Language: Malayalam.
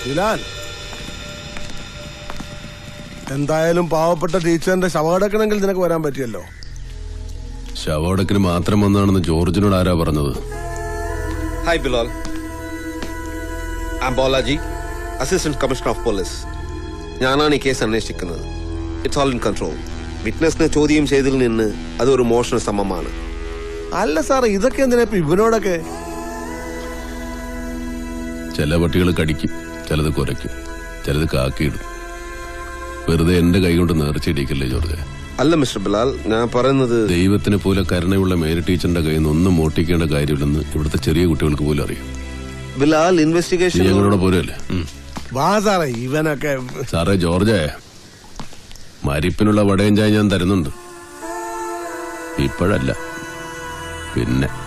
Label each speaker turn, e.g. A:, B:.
A: ബിലാൽ, എന്തായാലും പാവപ്പെട്ട ടീച്ചറിന്റെ ശവടക്കണമെങ്കിൽ നിനക്ക് വരാൻ പറ്റിയല്ലോ.
B: ശവടക്കിന് മാത്രം വന്നാണെന്ന് ജോർജിനോട് ആരാ പറഞ്ഞത്?
C: Hi Bilal, I am Balaji, assistant commissioner of police. ഞാനാണ് ഈ കേസ് അന്വേഷിക്കുന്നത്. It's all in control. വിറ്റ്നസിനെ ചോദ്യം ചെയ്തതിൽ നിന്ന് അതൊരു മോഷണ ശ്രമമാണ്.
A: അല്ല സാറേ, ഇതൊക്കെ എന്തിനാ ഇപ്പൊ ഇവനോടൊക്കെ?
B: ചില പട്ടികൾ കടിക്കും, ചിലത് കുരയ്ക്കും, ചിലത് കാക്കിയിടും. വെറുതെ എന്റെ കൈ കൊണ്ട് നേർച്ചയിടിക്കല്ലേ ജോർജ്.
C: അല്ല മിസ്റ്റർ ബിലാൽ, ഞാൻ പറയുന്നത്
B: ദൈവത്തിനെ പോലെ കരുണയുള്ള മേരി ടീച്ചറിന്റെ കയ്യിൽ നിന്ന് ഒന്നും മോട്ടിക്കേണ്ട കാര്യമില്ലെന്ന് ഇവിടുത്തെ ചെറിയ കുട്ടികൾക്ക് പോലും അറിയാം.
C: ബിലാൽ, ഇൻവെസ്റ്റിഗേഷൻ
B: ഞങ്ങളോട് പോരല്ലേ?
A: വാ സാറേ, ഇവനൊക്കെ.
B: സാറേ ജോർജേ, മരിപ്പിനുള്ള വടയും ചായ ഞാൻ തരുന്നുണ്ട്. ഇപ്പോഴല്ല, പിന്നെ.